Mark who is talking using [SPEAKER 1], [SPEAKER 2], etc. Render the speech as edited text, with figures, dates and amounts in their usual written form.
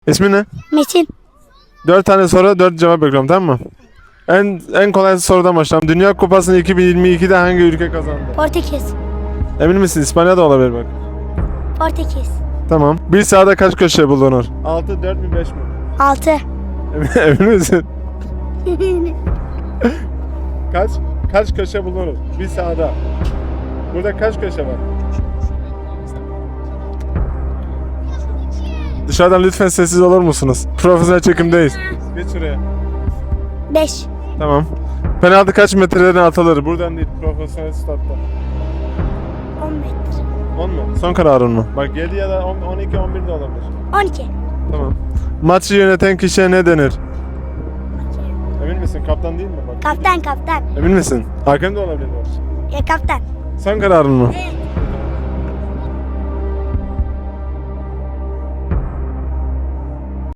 [SPEAKER 1] İsmin ne?
[SPEAKER 2] Metin.
[SPEAKER 1] 4 tane soru, 4 cevap bekliyorum, tamam mı? En kolay sorudan başlayalım. Dünya Kupası'nı 2022'de hangi ülke kazandı?
[SPEAKER 2] Portekiz.
[SPEAKER 1] Emin misin? İspanya da olabilir bak.
[SPEAKER 2] Portekiz.
[SPEAKER 1] Tamam. Bir sahada kaç köşe bulunur? 6, 4 mü, 5 mi?
[SPEAKER 2] 6.
[SPEAKER 1] Emin misin? Kaç köşe bulunur? Bir sahada. Burada kaç köşe var? Dışarıdan lütfen sessiz olur musunuz? Profesyonel çekimdeyiz. Geç şuraya.
[SPEAKER 2] 5.
[SPEAKER 1] Tamam. Penaltı kaç metreden atılır? Buradan değil, profesyonel statta.
[SPEAKER 2] 10 metre.
[SPEAKER 1] 10 mu? Son kararın mı? Bak 7 ya da 12, 11 de olabilir.
[SPEAKER 2] 12.
[SPEAKER 1] Tamam. Maçı yöneten kişiye ne denir? Emin misin? Kaptan değil mi? Bak.
[SPEAKER 2] Kaptan.
[SPEAKER 1] Emin misin? Hakem de olabilir bak.
[SPEAKER 2] Ya kaptan.
[SPEAKER 1] Son kararın mı?
[SPEAKER 2] Evet.